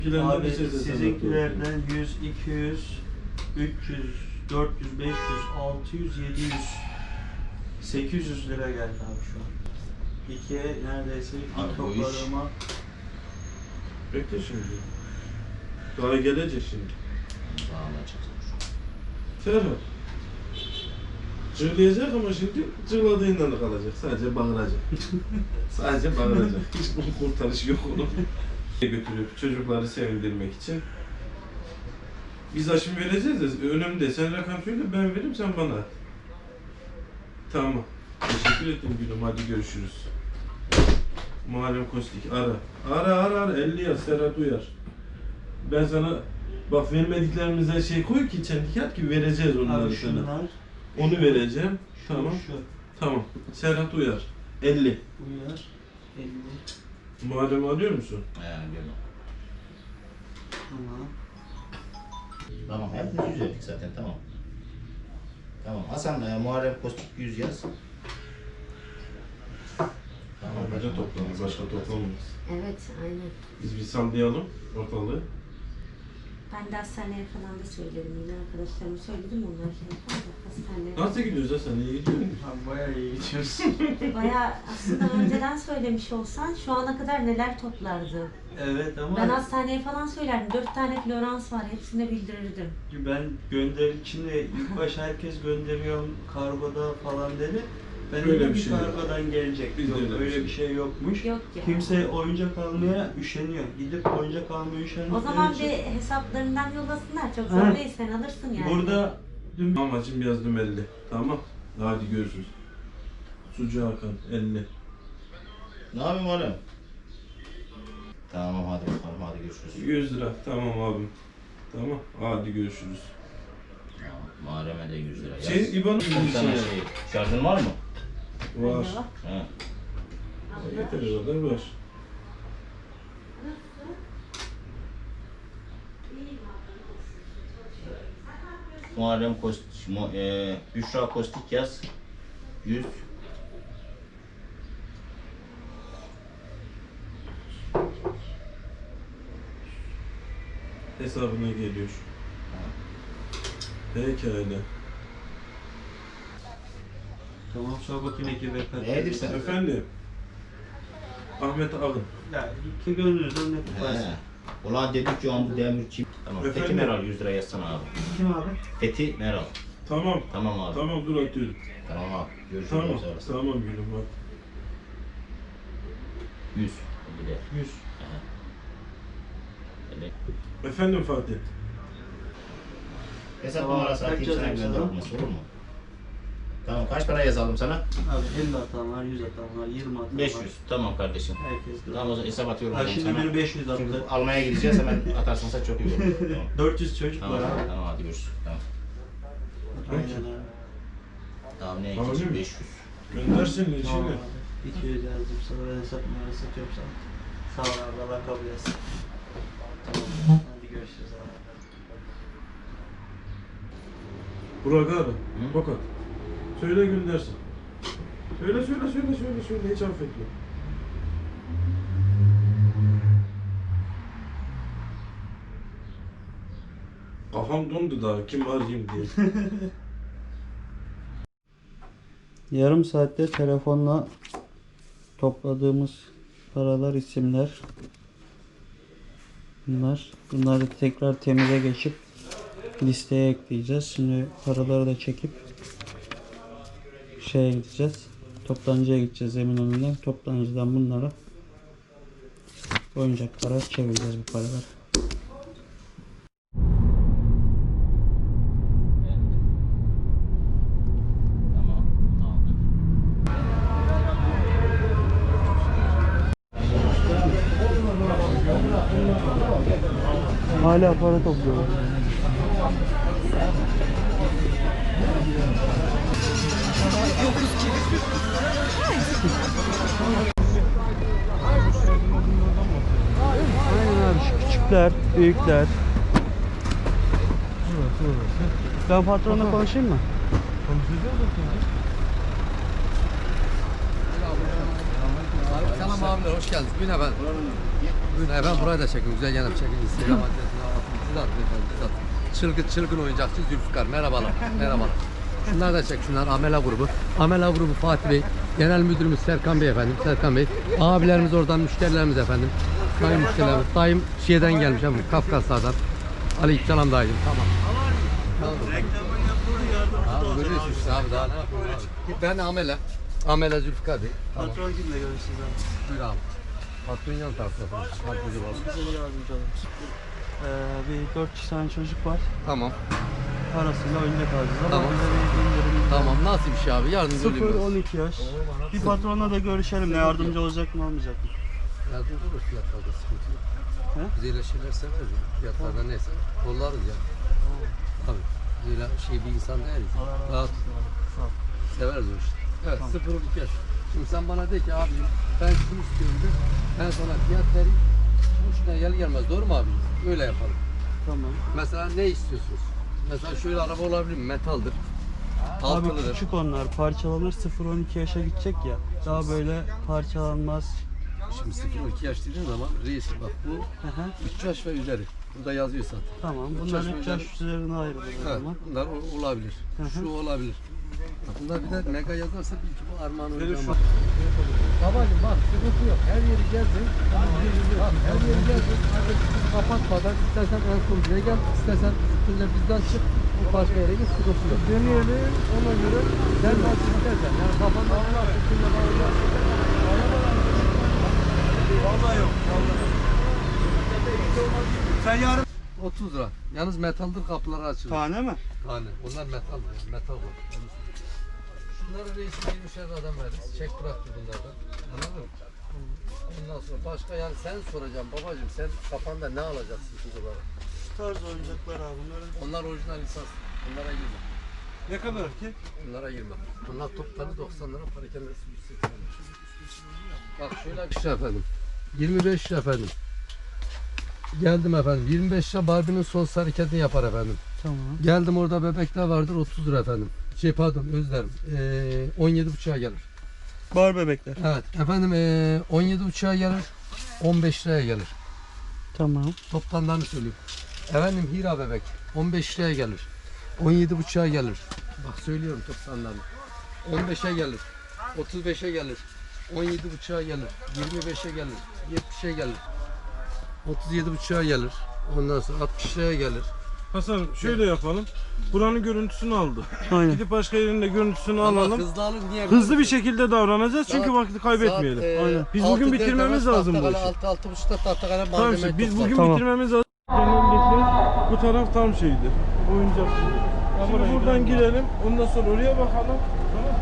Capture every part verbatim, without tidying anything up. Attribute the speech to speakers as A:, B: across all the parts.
A: Abi sizinkilerden yüz, iki yüz, üç yüz, dört yüz, beş yüz, altı yüz, yedi yüz, sekiz yüz lira geldi abi şu an. İkiye neredeyse ilk topladığıma.
B: Bekle şimdi. Daha gelecek şimdi. Ferhat. Cırlayacak ama şimdi cırladığından da kalacak. Sadece bağıracak. Sadece bağıracak. Hiç kurtarışı yok onun. Götürüp çocukları sevindirmek için. Biz aşım vereceğiz de önümde. Sen rakam söyle, ben veririm, sen bana at. Tamam. Teşekkür ettim gülüm. Hadi görüşürüz. Muharrem Kostik ara. Ara ara ara. elli yaz. Serhat uyar. Ben sana bak vermediklerimize şey koy ki çentikat gibi vereceğiz onları
A: Abi
B: sana.
A: şunlar.
B: Onu vereceğim.
A: Şu,
B: Tamam.
A: Şu.
B: Tamam. Serhat uyar. elli.
A: Uyar. elli.
B: Muharrem alıyor musun?
C: He biliyorum.
A: Tamam.
C: Tamam hepimiz yüz verdik zaten tamam. Tamam Hasan e, Muharrem Kostik yüz yaz.
B: Tamam. Başka toplamız. Başka toplamız.
D: Evet, aynen.
B: Biz bir sallayalım ortalığı.
D: Ben de hastaneye falan da söyledim yine arkadaşlarıma söyledim onlar şey yapar da hastaneye.
B: Nasıl gidiyoruz Hasan? İyi gidiyor musun?
A: Abi bayağı iyi gidiyoruz.
D: Bayağı aslında önceden söylemiş olsan şu ana kadar neler toplardı.
A: Evet ama
D: Ben hastaneye falan söylerdim. Dört tane Florans var, hepsine bildirirdim.
A: ben gönder şimdi ilk başta herkes gönderiyorum kargoda falan dedi. Ben
B: Öyle
A: öyle
B: bir
A: bir
B: şey yok.
A: kargodan gelecek.
B: Bizde
A: Yok,
B: öyle bir
A: öyle
B: şey
A: bir şey yokmuş.
D: Yok ya.
A: Kimse oyuncak almaya üşeniyor. Gidip oyuncak almaya üşeniyor.
D: O zaman bir hesaplarından yollasınlar. Çok zor
A: Ha.
D: değil, sen alırsın yani.
A: Burada dün
B: Amacım yazdım elli. Tamam. Hadi görüşürüz. Sucu Hakan elli.
C: Ne yapayım oğlum? Tamam hadi bakalım hadi görüşürüz.
B: yüz lira. Tamam abim. Tamam. Hadi görüşürüz.
C: Tamam, Muharrem'e de yüz lira yaz.
B: Şey İban'ın bir
C: Bir tane
B: şey.
C: şey. Şarjın var mı?
B: Var.
D: Anne bak.
C: He.
B: Yeter kadar var.
C: Muharrem Kostik, mu, e, Büşra Kostik yaz. yüz.
B: Hesabına geliyor. Pekala.
A: tamam sor bakayım iki ve kaç.
C: Nedir sen?
B: Efendim. Ahmet Ağın.
A: Ya iki gönlünüzden ne tutarsa.
C: He. Ulan dedik ki onu demirci. Tamam. Fethi
B: Efendim?
C: Meral yüz lira yazsana abi.
A: Kim abi?
C: Fethi Meral.
B: Tamam.
C: Tamam abi.
B: Tamam dur atıyorum.
C: Tamam abi. Görüşürüz.
B: Tamam.
C: Sonra.
B: Tamam gülüm bak.
C: yüz. Bir de.
A: yüz.
C: He. Öyle.
B: Efendim Fatih.
C: Hesap
A: Tamam,
C: numarası
A: kaç
C: atayım sana
A: yazayım
C: gönder
A: sana?
C: olması olur mu? Tamam kaç para yazalım sana?
A: Abi elli atan var, yüz atan var, yirmi atan
C: beş
A: var.
C: yüz. Tamam kardeşim.
A: Herkes de.
C: Tamam o zaman hesap atıyorum.
A: Ha
C: ben
A: şimdi
C: sana.
A: biri beş yüz
C: Çünkü
A: attı.
C: almaya gideceğiz hemen atarsansa çok iyi olur. Tamam.
A: dört yüz çocuk
C: Tamam,
A: var abi.
C: tamam hadi görüşürüz. Tamam.
A: Aynen abi.
C: Tamam ne
B: Abi
C: ikinci
B: mi?
C: beş yüz.
B: Göndersin
A: Tamam
B: içine.
A: abi. iki yüz yazdım sana, ben hesap numarası atıyorum sana. Sağ ol abi, Allah kabul etsin. Tamam, hadi görüşürüz abi.
B: Burak abi. Bakın. Söyle göndersin. Söyle söyle söyle söyle söyle hiç affetme. Kafam dondu daha kim arayayım diye.
A: Yarım saatte telefonla topladığımız paralar, isimler bunlar. Bunları tekrar temize geçip listeye ekleyeceğiz. Şimdi paraları da çekip şeye gideceğiz. Toptancıya gideceğiz Eminönü'nden. Toptancıdan bunlara oyuncaklara çevireceğiz bu paraları.
C: Tamam. Aldık.
A: Hala para topluyorlar. Aynen abi, şu küçükler, büyükler. Ben patronla konuşayım mı?
E: Selam Selam abiler, hoş geldiniz. Bugün efendim. Bugün efendim burayı da çekin. Güzel yanıp çekin. Instagram adresine atın. Siz atın efendim. Siz atın. Çılgın çılgın oyuncakçı Zülfikar. Merhabalar. Merhabalar. Şunlar da çek. Şunlar Amela grubu. Amela grubu Fatih Bey. Genel müdürümüz Serkan Bey efendim. Serkan Bey. Abilerimiz oradan, müşterilerimiz efendim. Sayın müşterilerimiz. Dayım şeyden gelmiş efendim. Kafkaslardan. Aleykümselam dayıcım. Tamam. Tamam. Abi görüyorsun işte abi, daha ne yapayım abi. Ben Amela. Amela Zülfikar Bey. Tamam.
A: Patron kimle görüşürüz abi?
E: Buyur abi. Patron yan tarafta. Patlıcı var.
A: Bize yardımcı olun. Ee, bir dört kişi tane çocuk var.
E: Tamam.
A: Parasıyla oyuncak alacağız ama
E: Tamam.
A: bize bir indirim.
E: Tamam. Nasıl bir şey abi? Yardımcı olayım
A: sıfır
E: biraz.
A: on iki yaş. Bir patronla da görüşelim. Ne yardımcı olacak mı olmayacak mı?
E: Yardımcı olur fiyatlarda, sıkıntı yok.
A: He?
E: Biz öyle şeyler severiz ya. Fiyatlarda neyse kollarız ya. Tabii. Böyle şey bir insan değiliz.
A: Allah razı
E: Rahat
A: olsun. Sağ ol.
E: severiz o işte. Evet,
A: Tamam.
E: sıfır on iki yaş. Şimdi sen bana de ki abi ben şunu istiyorum de. Ben sana fiyat vereyim. Şuna gel gelmez. Doğru mu abi? Öyle yapalım.
A: Tamam.
E: Mesela ne istiyorsunuz? Mesela şöyle araba olabilir mi? Metaldir.
A: Abi
E: Altılıdır.
A: küçük onlar parçalanır, sıfır on iki yaşa gidecek ya. Daha böyle parçalanmaz.
E: Şimdi sıfır on iki yaş dediğin zaman reis bak bu
A: Hı hı.
E: üç yaş ve üzeri. Burada yazıyor zaten.
A: Tamam.
E: Üç
A: Bunlar
E: yaş
A: üç
E: üzeri-
A: yaş üzerine ayrılır o
E: Evet,
A: zaman.
E: bunlar o- olabilir.
A: Hı hı.
E: Şu olabilir. Bak bunlar bir de mega yazarsa bil ki bu Armağan
A: Böyle
E: oyuncağı.
A: şu-
E: Babacım bak sıkıntı yok. Her yeri gezdin. Bak her yeri gezdin. Hadi kapatmadan istersen en son buraya gel. İstersen üstünde bizden çık. Bu başka yere git, sıkıntı yok. Deneyelim ona göre. Sen nasıl istersen. Yani kafanda ne var? Üstünde bağlayacak.
A: Vallahi yok. Vallahi. Sen yarın
E: otuz lira. Yalnız metaldir, kapıları açılır.
A: tane mi?
E: Tane. Onlar metal mı? Metal var. Şunları reisine yirmişer adam veririz. Çek bıraktı bunlardan. Anladın mı? Ondan sonra başka yani sen soracaksın babacığım sen kafanda ne alacaksın kuzulara?
A: Şu tarz oyuncaklar abi. Bunların
E: Onlar orijinal lisans. Bunlara girme.
A: ne kadar ki?
E: Bunlara girme. Bunlar topları doksan lira, parakendesi yüz seksen lira. Bak şöyle bir şey efendim. yirmi beş lira efendim. Geldim efendim. yirmi beş lira Barbie'nin son hareketini yapar efendim.
A: Tamam.
E: Geldim orada bebekler vardır otuz lira efendim. Şey pardon özlerim. Ee, on yedi buçuğa gelir.
A: Bar bebekler.
E: Evet efendim ee, on yedi buçuğa gelir. on beş liraya gelir.
A: Tamam.
E: Toptanlarını söyleyeyim. Efendim Hira bebek on beş liraya gelir. on yedi buçuğa gelir. Bak söylüyorum toptanlarını. on beşe gelir. otuz beşe gelir. on yedi buçuğa gelir. yirmi beşe gelir. yetmişe gelir. otuz yedi buçuğa gelir. Ondan sonra altmış liraya gelir.
B: Hasan şöyle yapalım. Buranın görüntüsünü aldı.
A: Aynen.
B: Gidip başka yerinde görüntüsünü
E: Ama
B: alalım.
E: hızlı alın niye?
B: Hızlı bir şekilde davranacağız çünkü
E: Saat-
B: vakti kaybetmeyelim.
E: Saat, e,
B: Aynen. Biz
E: altı
B: bugün
E: dört
B: bitirmemiz
E: arası
B: lazım bu
E: tahtakale,
B: işi.
E: altı altı buçukta tahtakale
B: Tamam
E: malzeme
B: işte biz bugün
A: Tamam.
B: bitirmemiz lazım. Öncesi bu taraf tam şeydi. Oyuncak. Şimdi buradan girelim. Ondan sonra oraya bakalım. Tamam.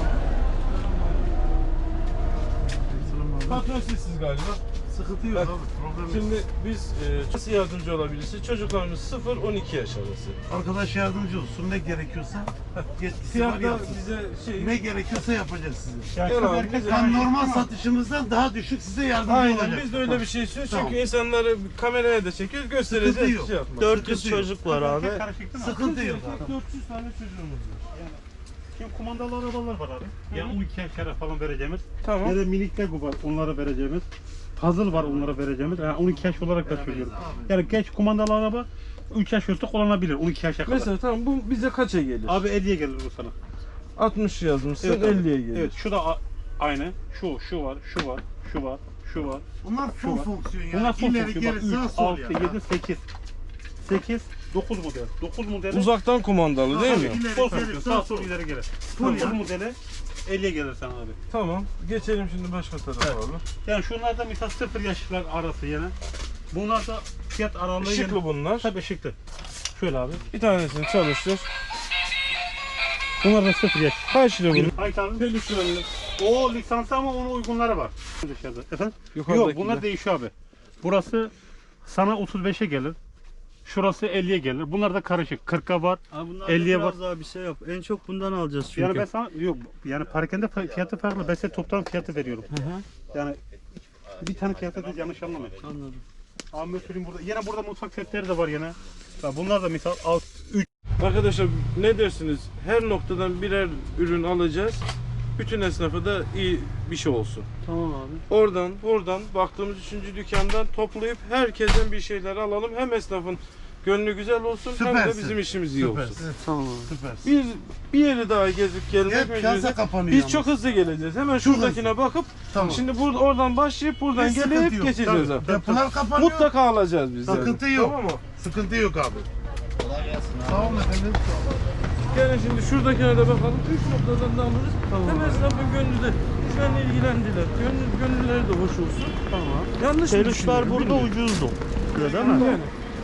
B: Patron sizsiz galiba.
F: Sıkıntı yok abi, problem yok.
B: Şimdi biz e, nasıl yardımcı olabilirsiniz? Çocuklarımız sıfır on iki yaş arası.
F: Arkadaş yardımcı olsun, ne gerekiyorsa yetkisi var
B: Fiyatlar
F: yapsın.
B: bize şey...
F: Ne gerekiyorsa yapacağız size.
B: Gel abi, bize-
F: Ben normal satışımızdan daha düşük size yardımcı
B: Aynen
F: olacak.
B: biz de öyle bir şey istiyoruz çünkü
F: Tamam.
B: insanları kameraya da çekiyoruz, göstereceğiz
F: Sıkıntı
B: bir
F: yok.
B: şey yapmaz.
A: dört yüz
F: Sıkıntı yok.
A: çocuk var abi.
F: Sıkıntı yok abi.
B: dört yüz tane çocuğumuz var.
G: Şimdi kumandalı arabalar var abi. Ya on iki yaşlara falan vereceğimiz.
B: Tamam.
G: Ya da minik Lego var onlara vereceğimiz. Puzzle var onlara vereceğimiz. Yani on iki yaş olarak da söylüyorum. Yani geç kumandalı araba üç yaş üstü kullanabilir on iki yaşa kadar.
B: Mesela tamam bu bize kaça gelir?
G: Abi elliye gelir bu sana.
B: altmış yazmışsın
G: Evet abi.
B: elliye gelir.
G: Evet şu da a- aynı. Şu, şu var, şu var, şu var, şu var.
F: Bunlar
G: Şu
F: full
G: var.
F: fonksiyon yani.
G: Bunlar son
F: İleri
G: fonksiyon. Bak
F: geri
G: üç,
F: sağ sol
G: altı,
F: yani.
G: yedi, sekiz. sekiz, dokuz model. dokuz modeli.
B: Uzaktan kumandalı değil mi?
F: İleri
G: Sol
F: geri,
G: fonksiyon.
F: sağ
G: Sağ
F: sol.
G: sol ileri geri.
F: Full
G: dokuz
F: yani.
G: modeli elliye gelir sana abi.
B: Tamam. Geçelim şimdi başka tarafa
G: Evet.
B: abi.
G: Yani şunlar da mesela sıfır yaşlar arası yine. Bunlar da fiyat aralığı
B: Işıklı
G: yine-
B: bunlar.
G: Tabii ışıklı. Şöyle abi.
B: Bir tanesini çalıştır.
G: Bunlar da sıfır yaş.
B: Kaç lira bunun?
G: Hayır abi.
B: Peluşlarını.
G: O lisansı ama onun uygunları var. Dışarıda. Efendim? Yok
B: Yukarıdakiler.
G: bunlar değişiyor abi. Burası sana otuz beşe gelir. Şurası elliye gelir. Bunlar da karışık. kırka var.
A: Abi bunlar
G: elliye
A: biraz
G: var.
A: daha bir şey yap. En çok bundan alacağız çünkü.
G: Yani ben sana yok yani parakende fiyatı farklı. Ben size toptan fiyatı veriyorum.
A: Hı hı.
G: Yani bir tane fiyatı da yanlış anlamayın.
A: Anladım.
G: Abi söyleyeyim burada. Yine burada mutfak setleri de var yine. Ya bunlar da misal üç.
B: Arkadaşlar ne dersiniz? Her noktadan birer ürün alacağız. Bütün esnafı da iyi bir şey olsun.
A: Tamam abi.
B: Oradan, buradan baktığımız üçüncü dükkandan toplayıp herkesten bir şeyler alalım. Hem esnafın gönlü güzel olsun hem de
F: Süpersin.
B: bizim işimiz iyi olsun.
F: Süpersin.
A: Tamam abi.
F: Süpersin.
B: Bir bir yeri daha gezip gelmek
F: Hep piyasa
B: mecburiyeti.
F: kapanıyor
B: Biz
F: ama.
B: çok hızlı geleceğiz. Hemen
F: Çok
B: şuradakine bakıp
F: Tamam.
B: şimdi burada oradan başlayıp buradan
F: Hiç
B: gelip
F: sıkıntı yok.
B: geçeceğiz
F: Tabii.
B: abi.
F: Depolar kapanıyor.
B: Mutlaka alacağız biz yani.
F: Sıkıntı yok.
B: Tamam mı?
F: Sıkıntı yok abi.
C: Kolay gelsin abi.
F: Sağ olun efendim.
B: Gelin şimdi şuradakine de bakalım. Üç noktadan da alırız. Hem esnafın gönlü de biz benimle ilgilendiler. Gönlü, gönülleri de hoş olsun.
A: Tamam.
B: Yanlış mı
A: Peluşlar
B: düşünüyorum,
A: burada
B: bilmiyorum.
A: ucuzdu. Değil mi?
B: Yani.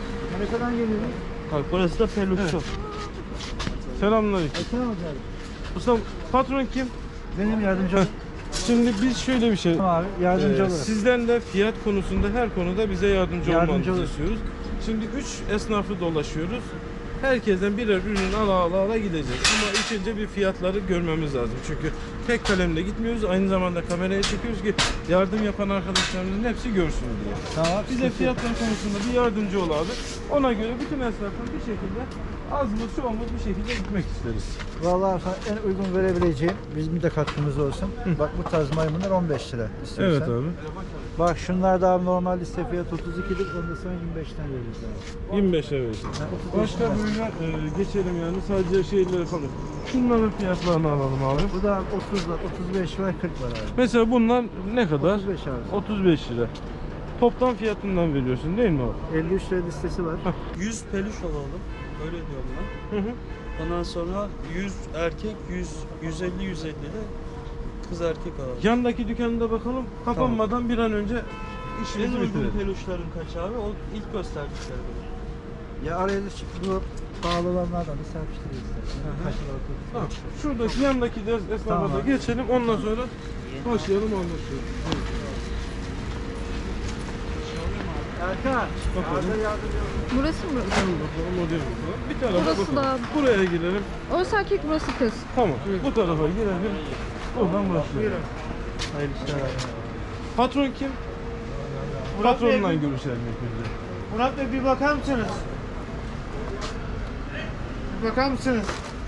A: Bak burası da peluşçu.
B: Selamünaleyküm. Ustam patron kim?
H: Benim yardımcı ol.
B: Şimdi biz şöyle bir şey.
H: Abi yardımcı
B: Ee,
H: olurum.
B: sizden de fiyat konusunda her konuda bize yardımcı,
H: Yardımcı
B: olmanızı
H: olurum.
B: istiyoruz. Şimdi üç esnafı dolaşıyoruz. Herkesten birer ürün ala ala ala gideceğiz. Ama ilk önce bir fiyatları görmemiz lazım. Çünkü tek kalemle gitmiyoruz. Aynı zamanda kameraya çekiyoruz ki yardım yapan arkadaşlarımızın hepsi görsün diye.
H: Tamam.
B: Bize fiyatlar konusunda bir yardımcı ol abi. Ona göre bütün esnafın bir şekilde az mı çoğumuz bir şekilde gitmek isteriz.
H: Vallahi sana en uygun verebileceğim, bizim de katkımız olsun. Bak bu tarz maymunlar on beş lira istiyorsan.
B: Evet abi.
H: Bak şunlar da abi normal liste fiyatı otuz ikidir. Onu da sana yirmi beşten veririz abi.
B: yirmi beşe verirsin.
H: Ha, otuz beş
B: Başka
H: lira.
B: böyle e, geçelim yani sadece şeyleri falan. Şunların fiyatlarını alalım abi.
H: Bu da otuz var, otuz beş var, kırk var abi.
B: Mesela bunlar ne kadar?
H: otuz beş abi.
B: otuz beş lira. Toptan fiyatından veriyorsun değil mi abi?
H: elli üç lira listesi var.
A: yüz peluş alalım. Öyle diyorum ben.
B: Hı hı.
A: Ondan sonra yüz erkek, yüz, yüz elli, yüz elli de kız erkek alalım.
B: Yandaki dükkanda bakalım. Kapanmadan bir an önce
A: En
B: işimizi
A: uygun
B: bitirelim.
A: peluşların kaç abi? O ilk gösterdikleri böyle.
H: Ya araya da çık- bu pahalı olanlardan da serpiştiririz. Kaç lira otuz.
B: Tamam. Şuradaki yandaki de esnafa da
H: Tamam.
B: geçelim. Ondan sonra başlayalım anlaşalım.
H: Erkan,
B: Bakalım.
H: arada yardımcı ol.
I: Burası mı?
B: Bakalım o değil mi? Bir tarafa
I: Burası
B: bakalım.
I: da-
B: Buraya girelim.
I: Orası erkek, burası kız.
B: Tamam. Bu tarafa girelim. Oradan başlayalım.
A: Hayırlı işler abi.
B: Patron kim?
F: Murat Bey,
B: Patronla görüşelim ilk önce.
F: Murat Bey bir bakar mısınız? Bir bakar mısınız?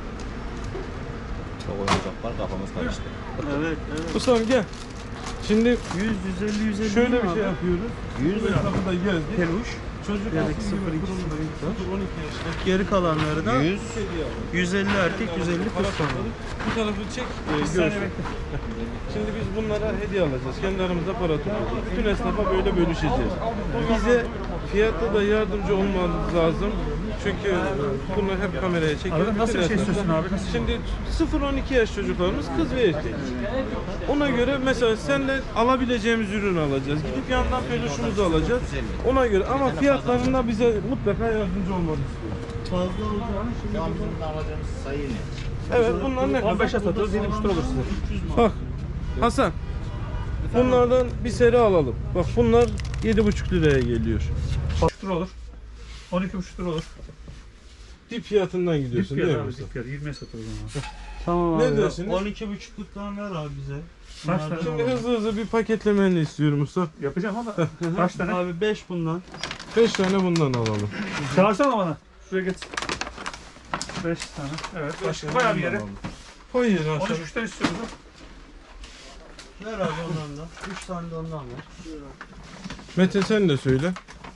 C: Çok oyuncak var, kafamız karıştı.
A: Evet, evet.
B: Ustam gel. Şimdi
A: yüz, yüz elli, yüz elli
B: şöyle
A: değil
B: bir
A: mi
B: şey
A: abi?
B: yapıyoruz.
A: yüz
B: Bu esnafı da gezdik.
A: peluş.
B: Çocuk
A: Yani
B: altı
A: sıfır
B: gibi
A: iki,
B: kurumdayım. sıfır on iki yaşında.
A: Geri kalanları da
B: yüz.
A: yüz elli erkek, yüz elli kız sonra.
B: Bu tarafı çek, e, görsün. Şimdi biz bunlara hediye alacağız. Kendi aramızda para tutacağız. Bütün esnafa böyle bölüşeceğiz. Bize fiyatta da yardımcı olmanız lazım. Çünkü e, bunlar hep kameraya çekiyor.
G: Abi nasıl
B: Bütün
G: bir şey
B: esnaflar-
G: istiyorsun abi? Nasıl?
B: Şimdi sıfır on iki yaş çocuklarımız kız ve erkek. Ona göre mesela senle alabileceğimiz ürünü alacağız. Gidip yandan peluşumuzu alacağız. Ona göre ama fiyatlarında bize mutlaka yardımcı olmanı istiyoruz.
A: Fazla olacağını şimdi
C: Şu an bizim de alacağımız sayı ne?
B: Evet bunlar ne kadar?
G: on beşe satıyoruz, yedi buçuk lira olur size.
A: üç yüz mü?
B: Bak Hasan. Bunlardan bir seri alalım. Bak bunlar yedi buçuk liraya geliyor.
G: on üç lira olur. on iki buçuk lira olur.
B: Dip fiyatından
G: Dip
B: gidiyorsun
G: fiyat
B: değil mi?
G: abi,
B: Mustafa?
G: dip fiyat. yirmiye satıyoruz onu.
A: Tamam
B: Ne
A: abi.
B: dersiniz?
A: on iki buçukluktan ver abi bize.
G: Kaç
A: Bunlardan
G: tane
B: Şimdi
A: alalım.
B: hızlı hızlı bir paketlemeni istiyorum usta.
G: Yapacağım ama kaç tane?
A: Abi beş bundan.
B: beş tane bundan alalım.
G: Çağırsana bana. Şuraya geç. beş tane. Evet. Başka bayağı bir yere.
B: Koy yere
G: on
B: aşağı.
G: üç üçten istiyoruz. ha.
A: Ver abi ondan da. üç tane de ondan ver.
B: Mete sen de söyle.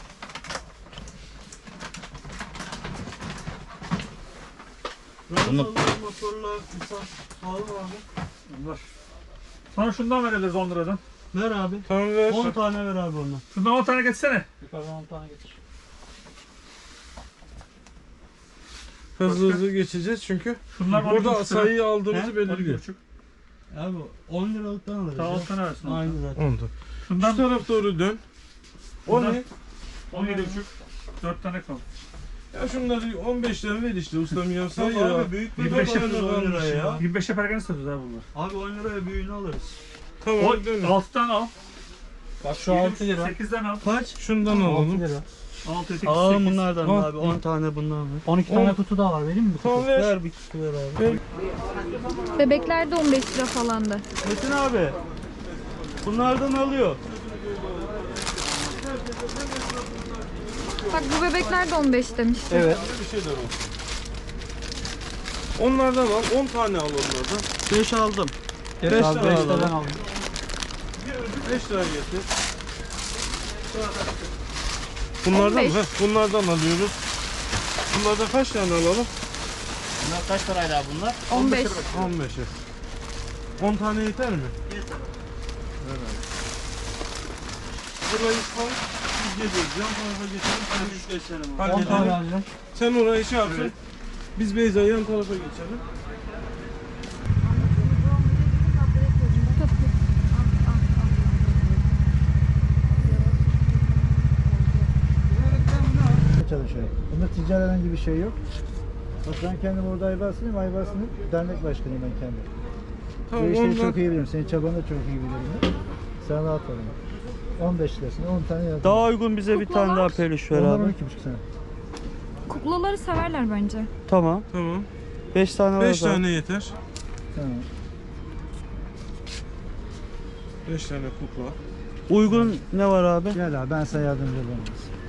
A: Ramazanlar, motorlar, kısa. Pahalı mı abi?
G: Var. Sana şundan verebiliriz on liradan.
A: Ver abi.
B: Tamam ver.
A: on tane ver abi ondan.
G: Şundan on tane geçsene.
A: Yukarıdan on tane getir.
B: Hızlı hızlı geçeceğiz çünkü.
G: Şunlar on iki
B: Burada
G: buçuk lira.
B: sayıyı aldığımızı
A: He?
B: belirliyor.
A: Abi on liralıktan alırız.
G: Daha
A: ya.
G: on tane versin.
A: Aynı zaten.
B: Onda. Şu
G: Şundan
B: taraf doğru dön. O
G: Bundan-
B: ne?
G: on yedi buçuk. dört tane kaldı.
B: Ya şunları on beşten ver işte ustam ya say
A: Tamam
B: ya.
A: abi büyük bir
G: yirmi beşe
A: alırız on liraya ya.
G: yirmi beşe pergane satıyoruz abi bunlar.
A: Abi on liraya büyüğünü alırız.
B: Tamam
G: O
B: dön.
G: altı tane al.
A: Bak şu altı lira.
G: sekiz tane al.
A: Kaç?
B: Şundan alalım.
A: lira.
G: altı, sekiz,
A: Alalım
G: sekiz.
A: bunlardan
B: Al.
A: abi. on tane bundan ver.
H: on iki
B: On-
H: tane kutu daha var, vereyim mi?
B: Tamam ver.
A: Ver bir kutu ver abi.
I: Bebekler de on beş lira falandı.
A: Metin abi. Bunlardan alıyor.
I: Bak bu bebekler de on beş demişti.
A: Evet.
B: Bir şeyler olsun. Onlardan al. on tane al onlardan.
A: beş aldım.
B: Beş
G: Abi
B: tane
G: beş
B: alalım.
G: tane alayım.
B: beş tane getir. Bunlardan
I: on beş.
B: mı? Heh, bunlardan alıyoruz. Bunlardan kaç tane alalım?
C: Bunlar kaç paraydı abi bunlar?
I: on beş.
B: on beşe. on tane yeter mi?
A: Yeter.
B: Burayı koy. Biz geliyoruz. Yan tarafa geçelim.
A: Ben üç geçerim.
B: Hadi
G: on tane
B: gidelim.
G: alacağım.
B: Sen orayı şey yapsın. Biz Beyza yan tarafa geçelim.
H: Çalışıyor. Bunda ticari herhangi bir şey yok. Bak ben kendim orada Ayvarsın'ım. Ayvarsın'ın dernek başkanıyım ben kendim.
B: Tamam
H: Bu işleri
B: ondan.
H: çok iyi bilirim. Senin çabanı da çok iyi bilirim. Ben. Sen rahat ol. on beş lirasına on tane yazdım.
A: Daha uygun bize bir tane daha peluş ver
H: Onlar
A: abi.
H: on iki buçuk sene.
I: Kuklaları severler bence.
A: Tamam.
B: Tamam.
A: beş tane var.
B: beş
A: zaten.
B: tane yeter.
H: Tamam.
B: beş tane kukla.
A: Uygun ne var abi?
H: Gel abi ben sana yardımcı olurum.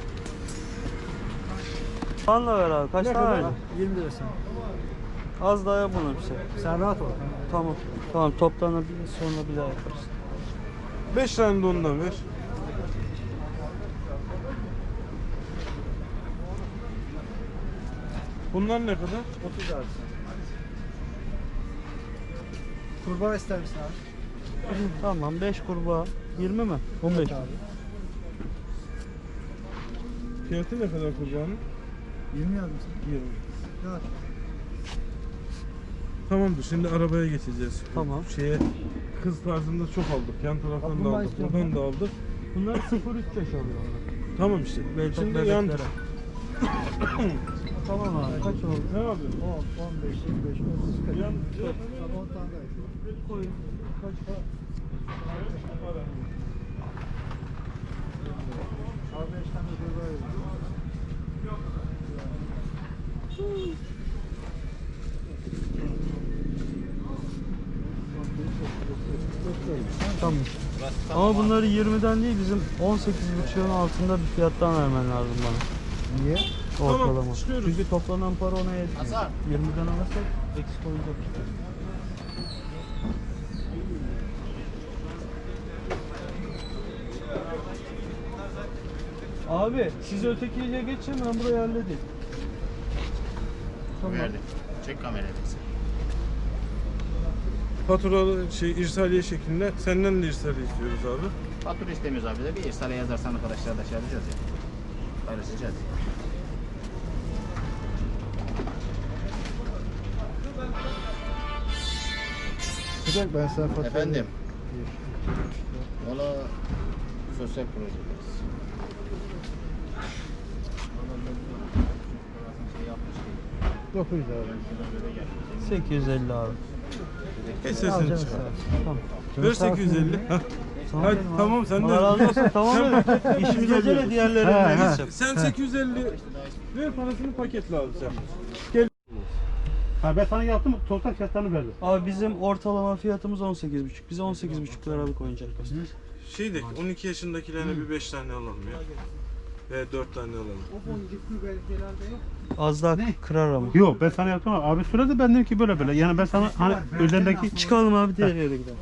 A: Anla ver abi. Kaç
H: Ne
A: tane
H: kadar?
A: verdin?
H: yirmi lirasına.
A: Az daha yap bunu bize.
H: Sen rahat ol.
A: Tamam. Tamam toplanıp sonra bir daha yaparız.
B: beş tane de ondan ver. Bunlar ne kadar?
H: otuz abi sen. Kurbağa ister misin abi?
A: Tamam beş kurbağa. yirmi mi? on beş.
H: Abi.
B: Fiyatı ne kadar kurbağanın?
H: yirmi yazdım sana.
B: yirmi.
H: Rahat.
B: Tamamdır. Şimdi arabaya geçeceğiz.
A: Tamam.
B: Şeye kız tarzında çok aldık. Yan taraftan da
H: Kaplumbağa
B: aldık.
H: istiyorum
B: Buradan
H: ben.
B: da aldık.
A: Bunlar sıfır üç yaş alıyor onlar.
B: Tamam işte.
A: Ve çok
B: Şimdi yan
A: bebeklere. Tamam abi. Kaç oldu?
B: Ne yapıyorsun?
H: on, on beş, yirmi beş, otuz, kırk.
B: Yan,
H: Tamam, on tane daha ekledim.
A: Koyun. Kaç para?
H: Abi beş tane kurbağa yazdım.
A: Tamam. Ama bunları yirmiden değil bizim on sekiz buçuğun altında bir fiyattan vermen lazım bana.
H: Niye?
A: Ortalama.
B: Tamam, çıkıyoruz.
A: Çünkü toplanan para ona yetmiyor.
C: Hasan.
A: yirmiden alırsak eksik olacak. Abi siz ötekiye geçin ben burayı halledeyim. Tamam.
C: Verdim. Çek kamerayı.
B: Faturalı şey irsaliye şeklinde senden de irsaliye istiyoruz abi.
C: Fatura istemiyoruz abi de bir irsale yazarsan arkadaşlar da şey yapacağız ya. Paylaşacağız.
H: Sıcak ben sana fatura
C: Efendim.
H: Bir,
C: Valla sosyal projeler. Şey yapmıştık.
H: dokuz lira ben
A: sekiz yüz elli abi.
B: Geç
H: sana. Al
B: sesini
H: canım
B: çıkar.
H: sağ olsun.
A: Tamam.
B: Ver sekiz yüz elli. Hah.
A: Tamam,
B: Hadi
A: benim abi.
B: tamam sen de.
A: Allah razı olsun. Tamam dedim. İşimiz acele diğerlerine
H: He, he.
A: geçeceğim.
B: Sen sekiz yüz elli ver parasını paketle abi sen.
G: Ha, ben sana yaptım, toptan fiyatlarını verdim.
A: Abi bizim ortalama fiyatımız on sekiz buçuk. Bize on sekiz buçuk liralık oyuncak göster.
B: Şey de on iki yaşındakilerine bir beş tane alalım ya. Ve dört tane alalım.
A: Az daha kırar ama.
G: Yok, ben sana yaptım ama abi söyledi, ben dedim ki böyle böyle. Yani ben sana hani üzerindeki
A: Çıkalım abi diğer yere gidelim.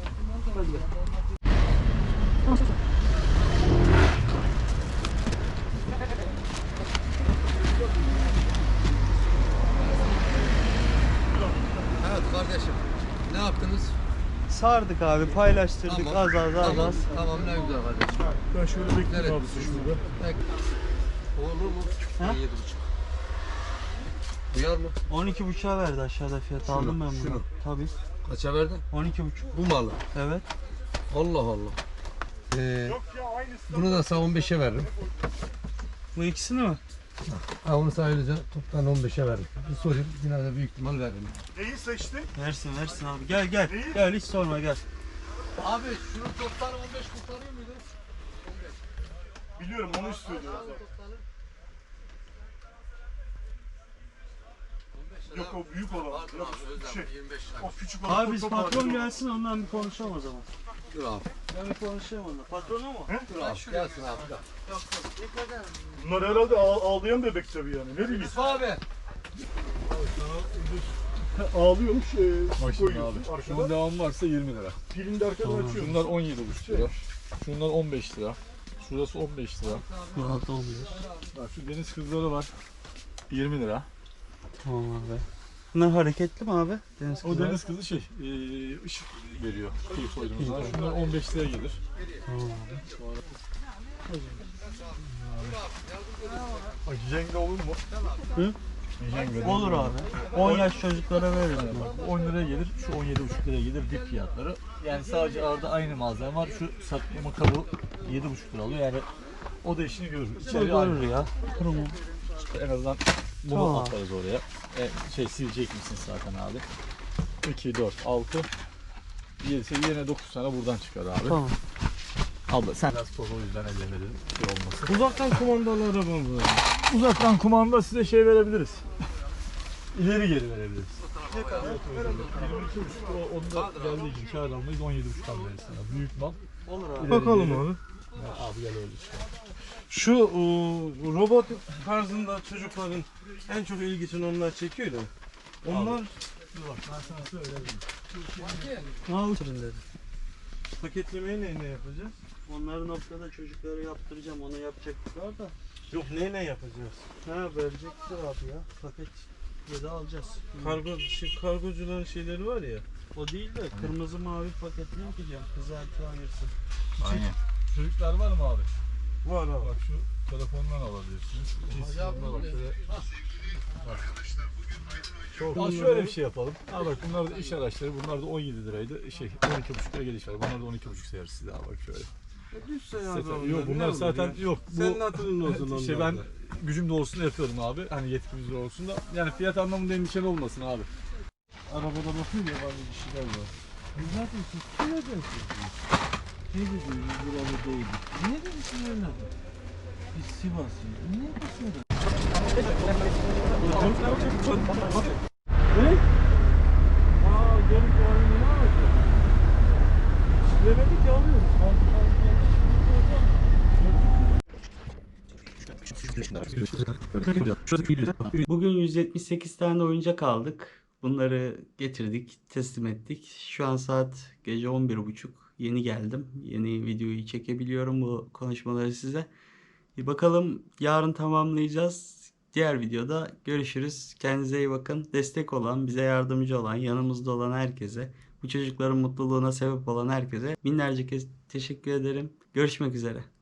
E: Evet kardeşim. Ne yaptınız?
A: Sardık abi, paylaştırdık
E: Tamam.
A: az az az
E: Tamam,
A: az.
E: tamam ne güzel kardeşim.
B: Ben şöyle bekleyeyim
E: Nereye
B: abi
E: düşmüş
B: şurada.
E: Pek. Olur mu?
A: Ha?
E: yedi buçuk. Duyar mı?
A: on iki buçuğa verdi aşağıda fiyat.
E: Şunu,
A: Aldım ben bunu.
E: şunu.
A: Tabii.
E: Kaça verdin?
A: on iki buçuk.
E: Bu malı.
A: Evet.
E: Allah Allah. Ee, bunu da sana on beşe veririm.
A: Bu ikisini mi?
E: Ha, onu sayılınca toptan on beşe veririm. Bir sorayım yine de büyük ihtimal veririm.
F: Neyi seçtin?
A: Versin versin abi. Gel gel. Gel hiç sorma gel.
E: Abi şunu toptan on beş kurtarıyor muydu?
F: Biliyorum onu istiyordu. Yok o büyük olan.
E: Pardon
F: Yok,
E: abi Özlem
F: şey,
E: yirmi beş lira.
F: o küçük olan.
A: Abi biz
F: çok
A: patron
F: ağır.
A: gelsin ondan bir konuşalım o zaman.
E: Dur abi.
A: Ben bir konuşayım onunla. Patronu mu?
E: Dur abi. Gelsin abi. Gel.
F: Bunlar herhalde ağ- ağlayan bebek tabii yani. Ne bileyim.
E: Yusuf abi.
J: Ağlıyormuş. E,
F: Bak
J: su
F: şimdi
J: koyuyorsun
F: abi.
J: arkadan.
F: Şunun devamı varsa yirmi lira.
J: Pilini de arkadan açıyorsun.
F: Şunlar on yedi buçuk lira. Şunlar on beş lira. Şurası on beş lira.
A: Rahat olmuyor.
F: Bak şu deniz kızları var. yirmi lira.
A: Tamam abi. Bunlar hareketli mi abi? Deniz
F: O
A: kızları.
F: deniz kızı şey, e, ışık veriyor. Kıyı koyduğumuz zaman. Şunlar on beş liraya gelir.
A: Tamam abi.
F: Bak Jenga olur mu?
A: Hı?
F: Jenga
A: Olur abi. on yaş çocuklara veririm.
F: Bak, on liraya gelir, şu on yedi buçuk liraya gelir dip fiyatları. Yani sadece arada aynı malzeme var. Şu saklama kabı yedi buçuk lira alıyor. Yani o da işini görür. İçeri
A: Olur
F: aynı.
A: ya. Tamam.
F: İşte en azından bunu
A: Tamam.
F: atarız oraya. E, şey silecek misin zaten abi? iki, dört, altı, yedi, sekiz, yine dokuz tane buradan çıkar abi.
A: Tamam.
F: Abla sen biraz toz o yüzden ellemedim. Şey olmasın.
J: Uzaktan kumandalı araba mı?
F: Uzaktan kumanda size şey verebiliriz. İleri geri verebiliriz.
J: Ne kadar?
F: yirmi iki buçuk o onu da geldiği için kâr almayız on yedi buçuktan verirsin abi. Büyük mal.
A: Olur abi.
F: İleri
J: Bakalım
F: geri.
J: abi.
F: Ya abi gel öyle işte.
J: Şu e, robot tarzında çocukların en çok ilgisini onlar çekiyor da. Onlar
F: Dur bak ben sana söylerim.
A: Al dedi.
J: paketlemeyi neyle yapacağız?
A: Onları noktada çocuklara yaptıracağım. Onu yapacaklar da.
J: Yok neyle yapacağız?
A: Ha verecekler abi ya. Paket ya da alacağız.
J: Kargo şey, kargocuların şeyleri var ya.
A: O değil de kırmızı mavi paketini yapacağım. Kızartı ayırsın.
C: Aynen.
F: Çocuklar var mı abi?
J: Var abi.
F: Bak şu telefondan alabilirsiniz. Hocam bak şöyle. Bak. Çok şöyle bir şey yapalım. Ha bak bunlar da iş araçları. Bunlar da on yedi liraydı. Şey on iki buçuk liraya geliş var. Bunlar da on iki buçuk sayarız size abi bak şöyle.
J: Düşse ya
F: Zaten-
J: da
F: yok
J: onlar,
F: bunlar
J: ne olur
F: zaten
J: ya?
F: yok.
J: Senin hatırın olsun onlar.
F: Şey ben gücüm doğrusunda yapıyorum abi. Hani yetkimiz olsun da. Yani fiyat anlamında endişeli olmasın abi.
J: Arabada bakıyor ya bazı kişiler var. Biz zaten siz nereden sizdiniz? Ne dediniz biz buralı değildik. Niye demişsin öyle? Biz Sivaslıyız. Niye basıyoruz? Ne? Aa gelip yarın ne alacak? Demedik ya alıyoruz.
A: Bugün yüz yetmiş sekiz tane oyuncak aldık. Bunları getirdik, teslim ettik. Şu an saat gece on bir buçuk. Yeni geldim. Yeni videoyu çekebiliyorum bu konuşmaları size. Bir bakalım yarın tamamlayacağız. Diğer videoda görüşürüz. Kendinize iyi bakın. Destek olan, bize yardımcı olan, yanımızda olan herkese, bu çocukların mutluluğuna sebep olan herkese binlerce kez teşekkür ederim. Görüşmek üzere.